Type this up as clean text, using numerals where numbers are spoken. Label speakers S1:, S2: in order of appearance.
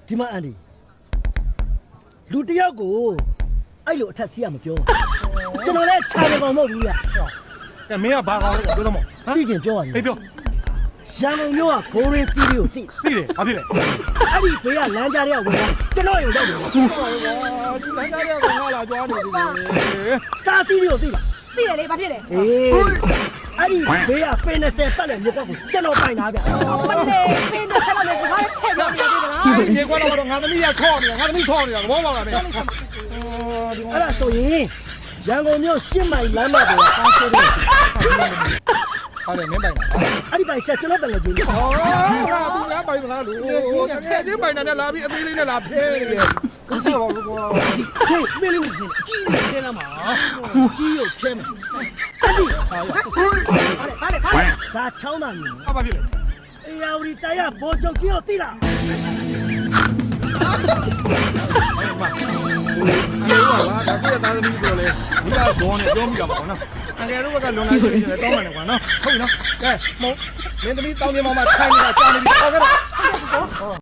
S1: ဒီမှာအန်ဒီလူတယောက်ကိုအဲ့လိုအထက်စီးရမပြောကျွန်တော်လည်းခြာနေကောင်မဟုတ်ဘူးဗျ
S2: ကဲမင်းကဘာကောင်းလဲပြောသမောဟမ်
S1: သိချင်ပြောရရင်
S2: အေးပြော
S1: ရန်ကုန်မြို့ကဂိုးရင်းစီးလေးကိုသိ
S2: သိတယ်ဘာဖြစ်လဲ
S1: အဲ့ဒီဘေးကလမ်းကြားတွေကဝင်လာကျွန်တော်ရုံရောက်တယ်
S2: ဒီလမ်းကြားတွေကငါလာကြွားနေပြီ
S1: စတာစီးလေးကိုသိလား
S3: သိတယ်လေဘာဖြစ်လဲ
S1: အေးအဲ့ဒီဘေးကပင်20ပတ်လည်မြက်ကွက်ကိုကျွန်တော်ပိုင်တာဗျ
S3: မလေးဖင်းတဲ့ဆက်လို့ဒီဘာလဲထည့်ပြောနေတယ်လား
S2: ဒီကွာတော့ငါသမီးကဆော့နေတာငါသမီးဆော့နေတာဘောပေါက်လာတယ်
S1: အဲ့ဒါဆိုရင်ရန်ကုန်မြို့ရှစ်မိုင်လမ်းမပေါ်ကကားဆိုးတယ်
S2: ဟာလေမင်းပိုင်တာ
S1: အဲ့ဒီပိုင်ဆက်ကျွန်တော်တန်ငယ်ချင်း
S2: ဟောငါဘူးငါပိုင်မလားလူချက်ချင်းပိုင်တာနဲ့လာပြီးအသေးလေးနဲ့လာဖဲနေတယ်ကိုဆော့ပါဘူးကွာ
S1: ဟေးမင်းလေးကြီးကြီးနေတယ်လားမကြီးရုပ်ခဲမယ်အဲ့ဒီဟာရ
S3: ဘာလဲ
S1: ဒါချောင်းတာမြင်
S2: အဘာဖြစ်လဲ
S1: အေယာဝတီတိုင်ရဘောချုပ်ကြီးကိုသိလား
S2: အဲ့မှာဒါကသားသမီးပြောလေဒီကဘောနဲ့ပြောမိတာပါကွာနော်အငယ်တို့ကလွန်လာပြီဆိုရင်တောင်းမှန်တယ်ကွာနော်ဟုတ်ပြီနော်ကဲမင်းသမီးတောင်းပြမောင်မှာထိုင်နေတာကြားနေပြီဟောခဲ့တော့